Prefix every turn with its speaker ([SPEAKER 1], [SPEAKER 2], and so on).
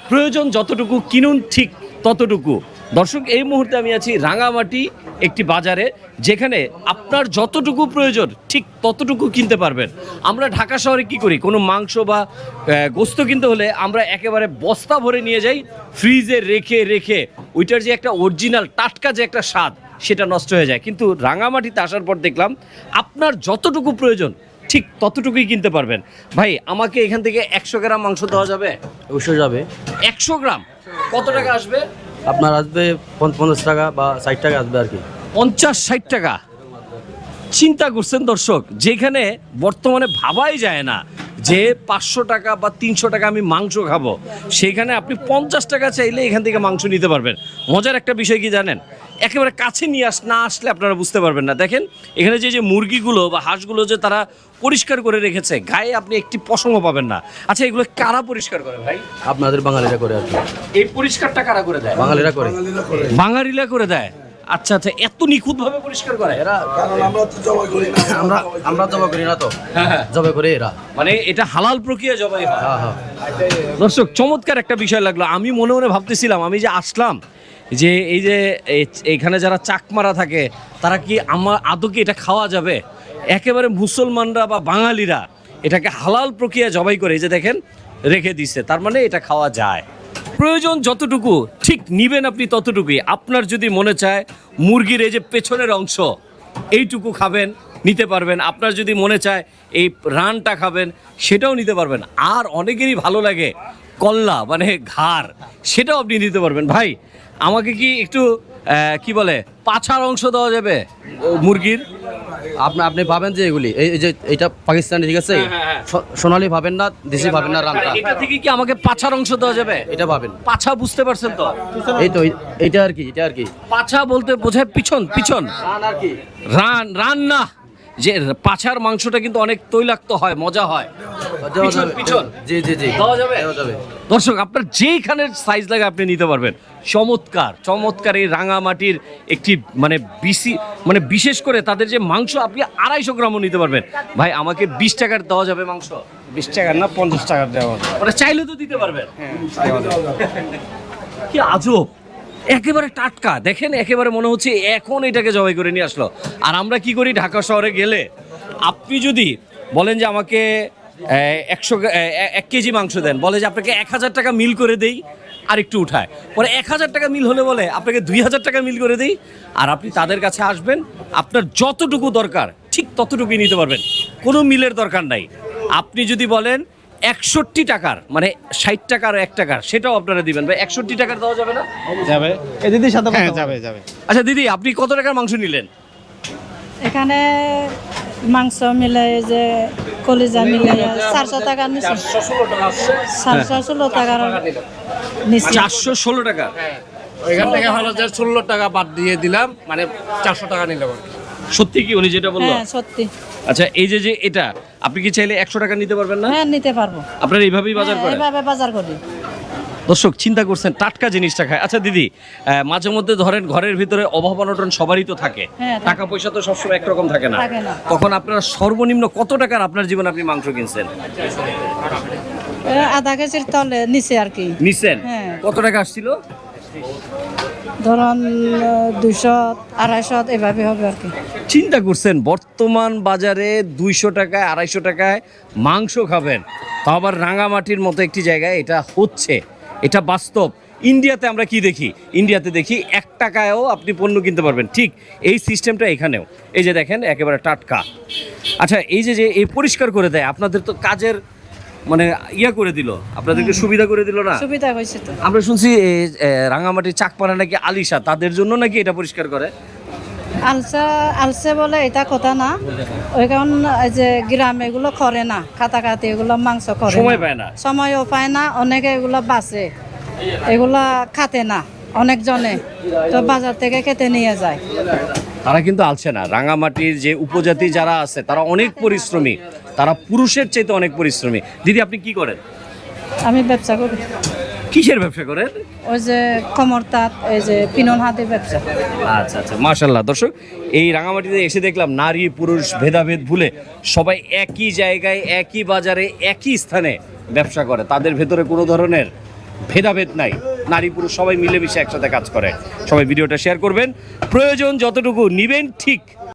[SPEAKER 1] প্রয়োজন যতটুকু কিনুন ঠিক ততটুকু। দর্শক, এই মুহূর্তে আমি আছি রাঙামাটি একটি বাজারে, যেখানে আপনার যতটুকু প্রয়োজন ঠিক ততটুকু কিনতে পারবেন। আমরা ঢাকা শহরে কি করি, কোনো মাংস বা গোস্ত কিনতে হলে আমরা একেবারে বস্তা ভরে নিয়ে যাই, ফ্রিজে রেখে রেখে ওইটার যে একটা অরিজিনাল টাটকা যে একটা স্বাদ সেটা নষ্ট হয়ে যায়। কিন্তু রাঙামাটিতে আসার পর দেখলাম আপনার যতটুকু প্রয়োজন ঠিক ততটুকুই কিনতে পারবেন। ভাই, আমাকে এখান থেকে 100 গ্রাম মাংস দেওয়া যাবে?
[SPEAKER 2] অবশ্যই যাবে।
[SPEAKER 1] 100 গ্রাম কত টাকা আসবে?
[SPEAKER 2] আপনার আসবে 50 টাকা বা 60 টাকা আসবে আর কি।
[SPEAKER 1] 50-60 টাকা। চিন্তা করছেন দর্শক, যেখানে বর্তমানে ভাবাই যায় না যে 500 টাকা বা 300 টাকা আমি মাংস খাবো, সেখানে আপনি 50 টাকা চাইলে এখান থেকে মাংস নিতে পারবেন। মজার একটা বিষয় কি জানেন, একেবারে কাছে নিয়ে না আসলে আপনারা বুঝতে পারবেন না। দেখেন এখানে যে যে মুরগিগুলো বা হাঁসগুলো যে তারা পরিষ্কার করে রেখেছে, গায়ে আপনি একটি পশমও পাবেন না। আচ্ছা, এগুলো কারা পরিষ্কার করে ভাই?
[SPEAKER 2] আপনাদের বাঙালিরা করে আর কি।
[SPEAKER 1] এই পরিষ্কারটা কারা করে দেয়?
[SPEAKER 2] বাঙালিরা করে।
[SPEAKER 1] বাঙালিরা করে দেয়। আচ্ছা আচ্ছা, এত নিখুঁতভাবে পরিষ্কার করে এরা?
[SPEAKER 2] আমরা জবাই করি না তো,
[SPEAKER 1] হ্যাঁ,
[SPEAKER 2] জবাই করে এরা।
[SPEAKER 1] মানে এটা হালাল প্রক্রিয়া জবাই হয়।
[SPEAKER 2] হ্যাঁ হ্যাঁ।
[SPEAKER 1] দর্শক, চমৎকার একটা বিষয় লাগলো। আমি মনে মনে ভাবতেছিলাম, আমি যে আসলাম, যে এই যে এইখানে যারা চাকমারা থাকে তারা কি আমার আদৌ কি এটা খাওয়া যাবে? একেবারে মুসলমানরা বা বাঙালিরা এটাকে হালাল প্রক্রিয়া জবাই করে, এই যে দেখেন রেখে দিচ্ছে, তার মানে এটা খাওয়া যায়। প্রয়োজন যতটুকু ঠিক নিবেন আপনি ততটুকুই। আপনার যদি মনে চায় মুরগির এই যে পেছনের অংশ এইটুকু খাবেন, নিতে পারবেন। আপনার যদি মনে চায় এই রানটা খাবেন, সেটাও নিতে পারবেন। আর অনেকেরই ভালো লাগে কল্লা মানে ঘাড়, সেটাও আপনি নিতে পারবেন। ভাই, আমাকে কি একটু কি বলে পাছার অংশ দেওয়া যাবে মুরগির?
[SPEAKER 2] আপনি পাবেন যে এগুলি, এই যে এটা পাকিস্তানি, ঠিক আছে? সোনালি পাবেন না, দেশি পাবেন না, রানটা।
[SPEAKER 1] এটা থেকে কি আমাকে পাছার অংশ দেওয়া যাবে?
[SPEAKER 2] এটা পাবেন।
[SPEAKER 1] পাছা বুঝতে পারছেন তো?
[SPEAKER 2] এই তো এটা আর কি, এটা আর কি।
[SPEAKER 1] পাছা বলতে বোঝায় পিছন, পিছন।
[SPEAKER 2] রান আর কি।
[SPEAKER 1] রান না, যে পাছার মাংসটা কিন্তু অনেক তৈলাক্ত হয়, মজা হয়। পিছন, পিছন।
[SPEAKER 2] জি জি জি,
[SPEAKER 1] দেওয়া যাবে?
[SPEAKER 2] দেওয়া যাবে।
[SPEAKER 1] দর্শক, আপনার যেইখানের সাইজ লাগে আপনি নিতে পারবেন। চমৎকার চমৎকার এই রাঙামাটির একটি মানে বিশেষ করে তাদের যে মাংস, আপনি 250 গ্রামও নিতে পারবেন। ভাই, আমাকে 20 টাকার দেওয়া যাবে মাংস?
[SPEAKER 3] 20 টাকার না 50 টাকার দেওয়া।
[SPEAKER 1] মানে চাইলে তো দিতে পারবেন। কি আজব, একেবারে টাটকা। দেখেন, একেবারে মনে হচ্ছে এখন এটাকে জবাই করে নিয়ে আসলো। আর আমরা কি করি, ঢাকা শহরে গেলে আপনি যদি বলেন যে আমাকে 1 কেজি মাংস দেন, বলে যে আপনাকে 1000 টাকা মিল করে দেই, আর একটু উঠায়। পরে 1000 টাকা মিল হলে বলে আপনাকে 2000 টাকা মিল করে দেই। আর আপনি তাদের কাছে আসবেন, আপনার যতটুকু দরকার ঠিক ততটুকুই নিতে পারবেন, কোনো মিলের দরকার নাই। আপনি যদি বলেন 61 টাকার, মানে 60 টাকার 1 টাকার, সেটাও আপনারা দিবেন। ভাই, 61 টাকার দেওয়া যাবে না?
[SPEAKER 3] যাবে। এই দিদির সাথে যাবে যাবে।
[SPEAKER 1] আচ্ছা দিদি, আপনি কত টাকার মাংস নিলেন?
[SPEAKER 4] এখানে মাংস মিলে যে কলিজা মিলে 400 টাকা নিচ্ছে। 416 টাকার নিচ্ছে।
[SPEAKER 1] 416 টাকা।
[SPEAKER 3] ওইখান থেকে হলো যে 16 টাকা বাদ দিয়ে দিলাম, মানে 400 টাকা নিলাম।
[SPEAKER 1] সত্যি কি উনি যেটা বললো?
[SPEAKER 4] হ্যাঁ, সত্যি।
[SPEAKER 1] আচ্ছা, এই যে যে এটা আপনি কি চাইলে 100 টাকা নিতে পারবেন না?
[SPEAKER 4] হ্যাঁ, নিতে পারবো।
[SPEAKER 1] আপনারা এইভাবেই বাজার
[SPEAKER 4] হ্যাঁ,
[SPEAKER 1] করেন?
[SPEAKER 4] এভাবে বাজার করি।
[SPEAKER 1] দর্শক, চিন্তা করছেন টাটকা জিনিসটা খায়। আচ্ছা দিদি, মাঝে মধ্যে ধরেন ঘরের ভিতরে অভাব অনটন সবারই তো থাকে,
[SPEAKER 4] হ্যাঁ, থাকে।
[SPEAKER 1] টাকা পয়সা তো সবসময় একরকম থাকে না।
[SPEAKER 4] থাকে না।
[SPEAKER 1] তখন আপনারা সর্বনিম্ন কত টাকার আপনার জীবনে আপনি মাংস কিনছেন?
[SPEAKER 4] আধা কেজির তলে নিচে আর কি
[SPEAKER 1] নিছেন?
[SPEAKER 4] হ্যাঁ।
[SPEAKER 1] কত টাকা আসছিল?
[SPEAKER 4] ধরুন 200, 250 এভাবে হবে আর কি।
[SPEAKER 1] চিন্তা করছেন বর্তমান বাজারে 200 টাকায় 250 টাকায় মাংস খাবেন, তা আবার রাঙামাটির মতো একটি জায়গায় এটা হচ্ছে, এটা বাস্তব। ইন্ডিয়াতে আমরা কি দেখি, ইন্ডিয়াতে দেখি 1 টাকায়ও আপনি পণ্য কিনতে পারবেন, ঠিক এই সিস্টেমটা এখানেও। এই যে দেখেন, একেবারে টাটকা। আচ্ছা, এই যে যে এই পরিষ্কার করে দেয়, আপনাদের তো কাজের মানে ইয়া করে দিল, আপনাদেরকে সুবিধা করে দিল না?
[SPEAKER 4] সুবিধা হয়েছে তো।
[SPEAKER 1] আমরা শুনছি এই রাঙামাটির চাকপাড়া নাকি আলিশা, তাদের জন্য নাকি এটা পরিষ্কার করে।
[SPEAKER 4] আলসে বলে এটা কথা না, ওই কারণ এই যে গ্রামে এগুলো করে না, খাতাখাতি এগুলো মাংস করে
[SPEAKER 1] সময় পায় না।
[SPEAKER 4] সময়ও পায় না, অনেকে এগুলো বাঁচে, এগুলা খাতে না অনেকজনে, তো বাজার থেকে খেতে নিয়ে যায়।
[SPEAKER 1] তারা কিন্তু আলছে না। রাঙামাটির যে উপজাতি যারা আছে তারা অনেক পরিশ্রমী, তারা পুরুষের চাইতে অনেক পরিশ্রমী। দিদি, আপনি কি করেন?
[SPEAKER 4] আমি ব্যবসা করি।
[SPEAKER 1] কিসের ব্যবসা করেন?
[SPEAKER 4] ওই যে কমর তাঁত, এই যে পিনন হাতের ব্যবসা।
[SPEAKER 1] আচ্ছা আচ্ছা, মাশাআল্লাহ। দর্শক, এই রাঙামাটিতে এসে দেখলাম নারী পুরুষ ভেদাভেদ ভুলে সবাই একই জায়গায়, একই বাজারে, একই স্থানে ব্যবসা করে। তাদের ভেতরে কোনো ধরনের ভেদাভেদ নাই, নারী পুরুষ সবাই মিলেমিশে একসাথে কাজ করে। সবাই ভিডিওটা শেয়ার করবেন, প্রয়োজন যতটুকু নিবেন ঠিক